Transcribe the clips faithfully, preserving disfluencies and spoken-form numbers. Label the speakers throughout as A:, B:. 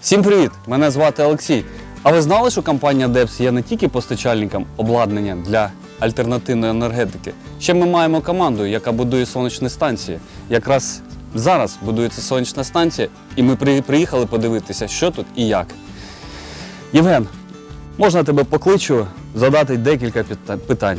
A: Всім привіт! Мене звати Олексій. А ви знали, що компанія депс є не тільки постачальником обладнання для альтернативної енергетики? Ще ми маємо команду, яка будує сонячні станції. Якраз зараз будується сонячна станція, і ми приїхали подивитися, що тут і як. Євген, можна тебе покличу задати декілька питань?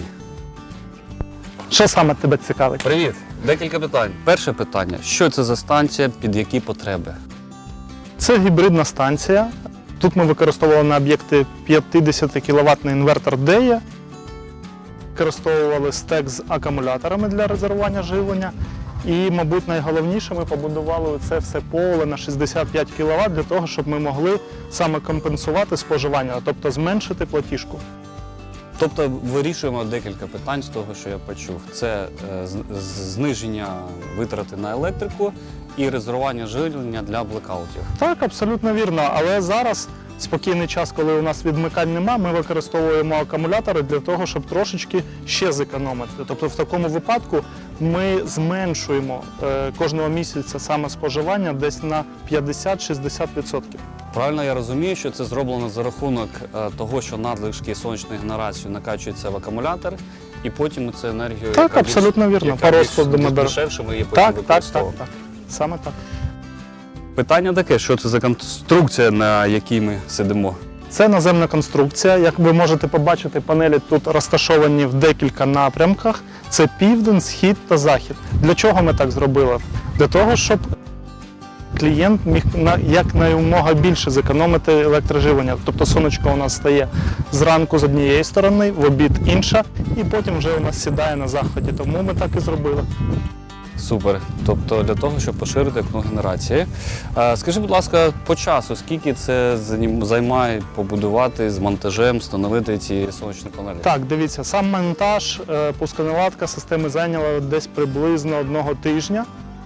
B: Що саме тебе цікавить?
A: Привіт! Декілька питань. Перше питання. Що це за станція, під які потреби?
B: Це гібридна станція. Тут ми використовували на об'єкти п'ятдесятикіловатний інвертор дея. Використовували стек з акумуляторами для резервування живлення. І, мабуть, найголовніше, ми побудували це все поле на шістдесят п'ять кіловат для того, щоб ми могли саме компенсувати споживання, тобто зменшити платіжку.
A: Тобто вирішуємо декілька питань з того, що я почув. Це е, зниження витрати на електрику і резервування живлення для блекаутів.
B: Так, абсолютно вірно. Але зараз спокійний час, коли у нас відмикань нема, ми використовуємо акумулятори для того, щоб трошечки ще зекономити. Тобто в такому випадку ми зменшуємо е, кожного місяця саме споживання десь на п'ятдесят-шістдесят відсотків.
A: Правильно я розумію, що це зроблено за рахунок е, того, що надлишки сонячної генерації накачуються в акумулятор, і потім цю енергію,
B: Так,
A: яка
B: абсолютно
A: більш,
B: вірно.
A: яка
B: По
A: більш
B: розкладу ми
A: дешевше, ми її потім
B: Так, так, так,
A: використовуємо.
B: так. Саме так.
A: Питання таке, що це за конструкція, на якій ми сидимо?
B: Це наземна конструкція. Як ви можете побачити, панелі тут розташовані в декілька напрямках. Це південь, схід та захід. Для чого ми так зробили? Для того, щоб клієнт міг якнаймога більше зекономити електроживлення. Тобто сонечко у нас стає зранку з однієї сторони, в обід інша, і потім вже у нас сідає на заході. Тому ми так і зробили.
A: Супер. Тобто для того, щоб поширити окно генерації. Скажи, будь ласка, по часу, скільки це займає побудувати з монтажем, встановити ці сонячні панелі?
B: Так, дивіться, сам монтаж, пусконаладка системи зайняла десь приблизно одного тижня.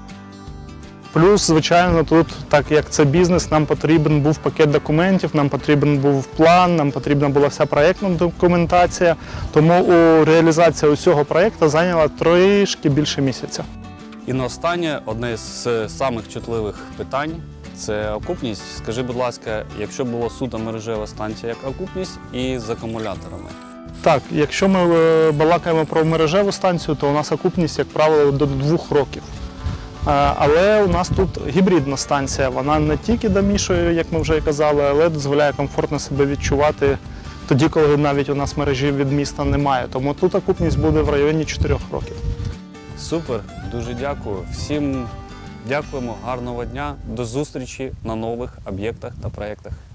B: Плюс, звичайно, тут, так як це бізнес, нам потрібен був пакет документів, нам потрібен був план, нам потрібна була вся проєктна документація. Тому у реалізація усього проєкту зайняла трішки більше місяця.
A: І на останнє, одне з самих чутливих питань – це окупність. Скажи, будь ласка, якщо була суто мережева станція, як окупність і з акумуляторами?
B: Так, якщо ми балакаємо про мережеву станцію, то у нас окупність, як правило, до двох років. Але у нас тут гібридна станція, вона не тільки домішує, як ми вже і казали, але дозволяє комфортно себе відчувати тоді, коли навіть у нас мережі від міста немає. Тому тут окупність буде в районі чотирьох років.
A: Супер, дуже дякую. Всім дякуємо, гарного дня, до зустрічі на нових об'єктах та проєктах.